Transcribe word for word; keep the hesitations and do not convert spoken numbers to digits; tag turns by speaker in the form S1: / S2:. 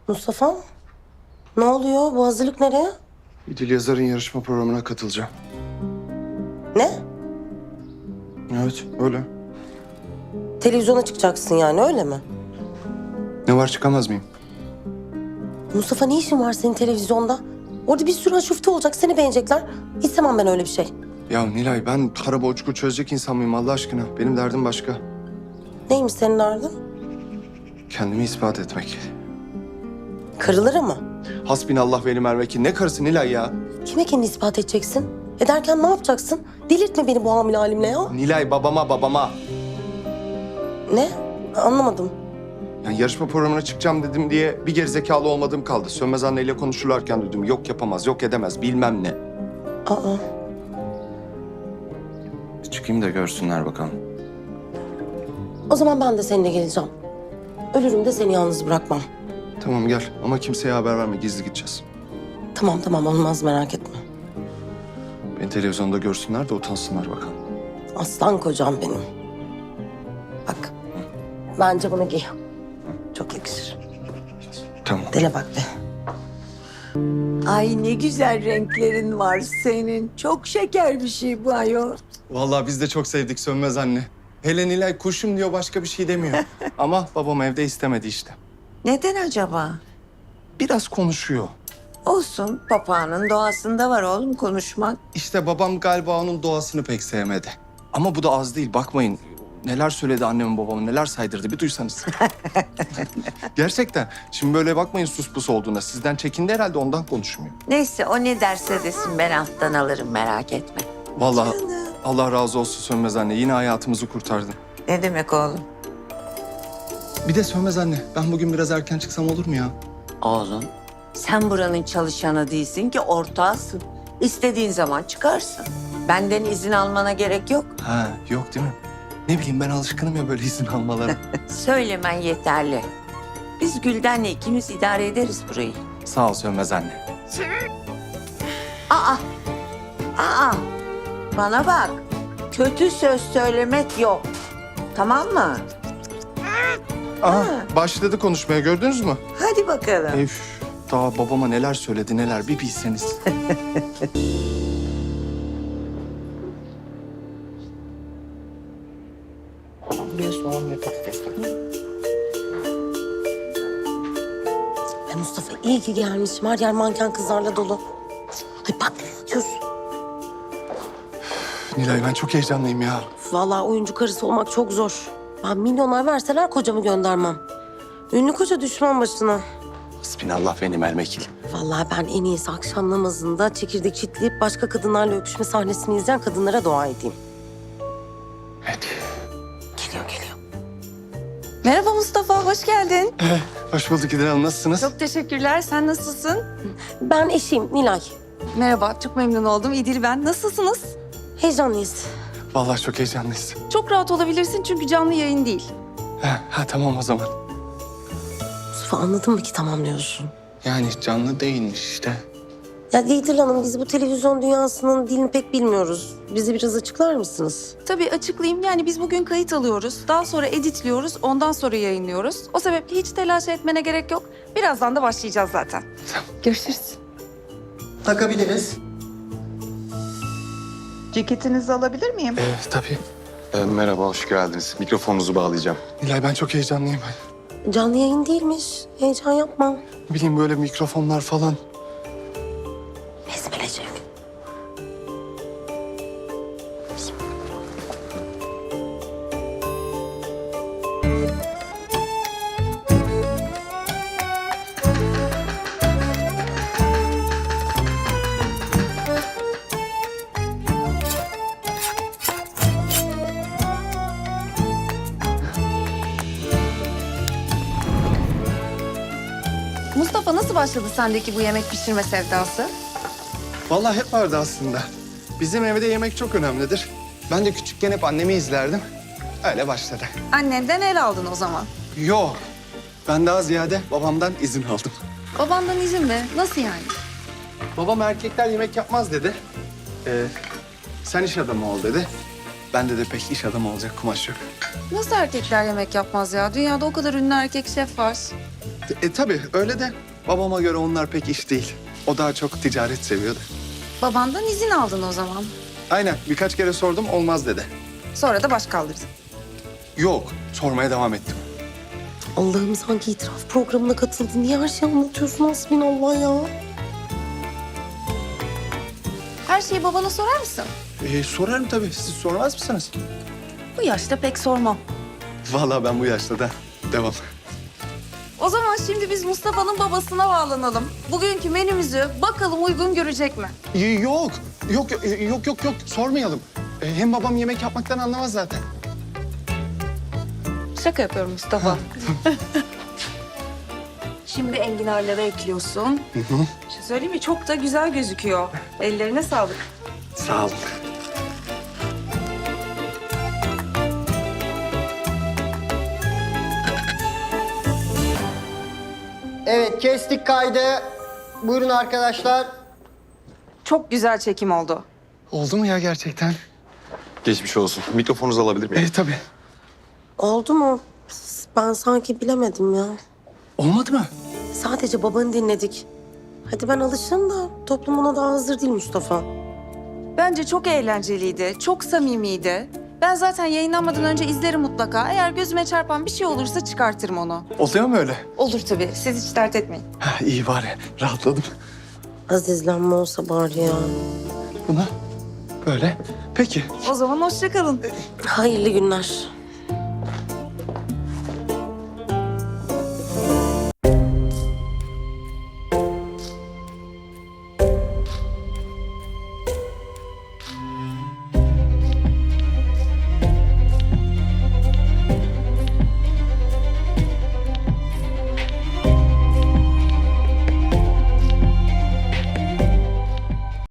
S1: Mustafa, ne oluyor? Bu hazırlık nereye?
S2: İdil Yazar'ın yarışma programına katılacağım.
S1: Ne?
S2: Evet, öyle.
S1: Televizyona çıkacaksın yani, öyle mi?
S2: Ne var, çıkamaz mıyım?
S1: Mustafa, ne işin var senin televizyonda? Orada bir sürü aşufte olacak, seni beğenecekler. İstemem ben öyle bir şey.
S2: Ya Nilay, ben para borçlu çözecek insan mıyım Allah aşkına? Benim derdim başka.
S1: Neymiş senin derdin?
S2: Kendimi ispat etmek.
S1: Karıları mı?
S2: Hasbinallah ve ni'mel vekil. Ne karısı Nilay ya?
S1: Kime kendini ispat edeceksin? Ederken ne yapacaksın? Delirtme beni bu hamile halimle ya.
S2: Nilay, babama, babama.
S1: Ne? Anlamadım.
S2: Yani yarışma programına çıkacağım dedim diye bir gerizekalı olmadığım kaldı. Sönmez anneyle konuşurlarken duydum. Yok yapamaz, yok edemez, bilmem ne.
S1: Aa,
S2: Çıkayım da görsünler bakalım.
S1: o zaman ben de seninle geleceğim. Ölürüm de seni yalnız bırakmam.
S2: Tamam gel ama kimseye haber verme, gizli gideceğiz.
S1: Tamam tamam, olmaz, merak etme.
S2: Beni televizyonda görsünler de utansınlar bakalım.
S1: Aslan kocam benim. Bak, bence bunu giy. Çok yakışır.
S2: Tamam.
S1: Dile bak be.
S3: Ay ne güzel renklerin var senin. Çok şeker bir şey bu ayol.
S2: Vallahi biz de çok sevdik Sönmez anne. Hele Nilay kuşum diyor, başka bir şey demiyor. Ama babam evde istemedi işte.
S3: Neden acaba?
S2: Biraz konuşuyor.
S3: Olsun, papağanın doğasında var oğlum konuşmak.
S2: İşte babam galiba onun doğasını pek sevmedi. Ama bu da az değil, bakmayın. Neler söyledi annemin babamın, neler saydırdı bir duysanız. Gerçekten. Şimdi böyle bakmayın sus pus olduğuna. Sizden çekindi herhalde, ondan konuşmuyor.
S3: Neyse o ne derse desin ben alttan alırım merak etme.
S2: Vallahi Allah razı olsun Sönmez anne. Yine hayatımızı kurtardın.
S3: Ne demek oğlum?
S2: Bir de Sönmez anne, ben bugün biraz erken çıksam olur mu ya?
S3: Oğlum sen buranın çalışanı değilsin ki ortağısın. İstediğin zaman çıkarsın. Benden izin almana gerek yok.
S2: Ha, yok değil mi? Ne bileyim, ben alışkınım ya böyle izin almalara.
S3: Söylemen yeterli. Biz Gülden'le ikimiz idare ederiz burayı.
S2: Sağ ol Sönmez anne.
S3: Aa, aa, bana bak. Kötü söz söylemek yok. Tamam mı?
S2: Aha, başladı konuşmaya, gördünüz mü?
S3: Hadi bakalım.
S2: Üf, daha babama neler söyledi neler bir bilseniz.
S1: Bir soğan ve patates. Ay Mustafa, iyi ki gelmişim. Her yer manken kızlarla dolu. Ay bak, ne diyorsun?
S2: Nilay, ben çok heyecanlıyım ya.
S1: Vallahi oyuncu karısı olmak çok zor. Ben milyonlar verseler kocamı göndermem. Ünlü koca düşman başına.
S2: Hasbinallah ve ni'mel vekil.
S1: Vallahi ben en iyisi akşam namazında çekirdek çitleyip başka kadınlarla öpüşme sahnesini izleyen kadınlara dua edeyim.
S2: Evet.
S1: Geliyor geliyor.
S4: Merhaba Mustafa, hoş geldin.
S2: Hoş bulduk İdil Hanım, nasılsınız?
S4: Çok teşekkürler. Sen nasılsın?
S1: Ben eşiyim Nilay.
S4: Merhaba, çok memnun oldum. İdil ben. Nasılsınız?
S1: Heyecanlıyız.
S2: Vallahi çok heyecanlıyız.
S4: Çok rahat olabilirsin çünkü canlı yayın değil.
S2: Ha, ha tamam o zaman.
S1: Mustafa, anladın mı ki tamam diyorsun?
S2: Yani canlı değilmiş işte.
S1: Ya İdil Hanım, biz bu televizyon dünyasının dilini pek bilmiyoruz. Bizi biraz açıklar mısınız?
S4: Tabii açıklayayım. Yani biz bugün kayıt alıyoruz. Daha sonra editliyoruz. Ondan sonra yayınlıyoruz. O sebeple hiç telaş etmene gerek yok. Birazdan da başlayacağız zaten.
S2: Tamam.
S4: Görüşürüz.
S5: Takabiliriz.
S4: Ceketinizi alabilir miyim?
S2: Ee, tabii.
S6: Ee, merhaba, hoş geldiniz. Mikrofonunuzu bağlayacağım.
S2: Nilay, ben çok heyecanlıyım.
S1: Canlı yayın değilmiş. Heyecan yapma.
S2: Ne bileyim, böyle mikrofonlar falan.
S1: Besmelecek.
S4: Mustafa nasıl başladı sendeki bu yemek pişirme sevdası?
S2: Vallahi hep vardı aslında. Bizim evde yemek çok önemlidir. Ben de küçükken hep annemi izlerdim. Öyle başladı.
S4: Annenden el aldın o zaman.
S2: Yok. Ben daha ziyade babamdan izin aldım.
S4: Babandan izin mi? Nasıl yani?
S2: Babam erkekler yemek yapmaz dedi. Ee, sen iş adamı ol dedi. Bende de pek iş adamı olacak kumaş yok.
S4: Nasıl erkekler yemek yapmaz ya? Dünyada o kadar ünlü erkek şef var.
S2: E tabii öyle de babama göre onlar pek iş değil. O daha çok ticaret seviyordu.
S4: Babandan izin aldın o zaman.
S2: Aynen birkaç kere sordum olmaz dedi.
S4: Sonra da baş kaldırdın.
S2: Yok sormaya devam ettim.
S1: Allah'ım sanki itiraf programına katıldın. Niye her şeyi anlatıyorsun hasbinallah ya?
S4: Her şeyi babana sorar mısın?
S2: E, sorarım tabii. Siz sormaz mısınız?
S4: Bu yaşta pek sormam.
S2: Vallahi ben bu yaşta da devam.
S4: O zaman şimdi biz Mustafa'nın babasına bağlanalım. Bugünkü menümüzü bakalım uygun görecek mi?
S2: Y- Yok, yok, yok, yok, yok. Sormayalım. E, hem babam yemek yapmaktan anlamaz zaten.
S4: Şaka yapıyorum Mustafa. Şimdi enginarları ekliyorsun. Bir şey söyleyeyim mi? Çok da güzel gözüküyor. Ellerine sağlık.
S2: Sağ olun.
S5: Evet, kestik kaydı. Buyurun arkadaşlar.
S4: Çok güzel çekim oldu.
S2: Oldu mu ya gerçekten?
S6: Geçmiş olsun. Mikrofonunuzu alabilir miyim?
S2: E tabii.
S1: Oldu mu? Ben sanki bilemedim ya.
S2: Olmadı mı?
S1: Sadece babanı dinledik. Hadi ben alışırım da toplum ona daha hazır değil Mustafa.
S4: Bence çok eğlenceliydi, çok samimiydi. Ben zaten yayınlanmadan önce izlerim mutlaka. Eğer gözüme çarpan bir şey olursa çıkartırım onu.
S2: Oluyor mu öyle?
S4: Olur tabii. Siz hiç dert etmeyin.
S2: Ha, iyi bari. Rahatladım.
S1: Az izlenme olsa bari ya.
S2: Buna böyle. Peki.
S4: O zaman hoşça kalın.
S1: Hayırlı günler.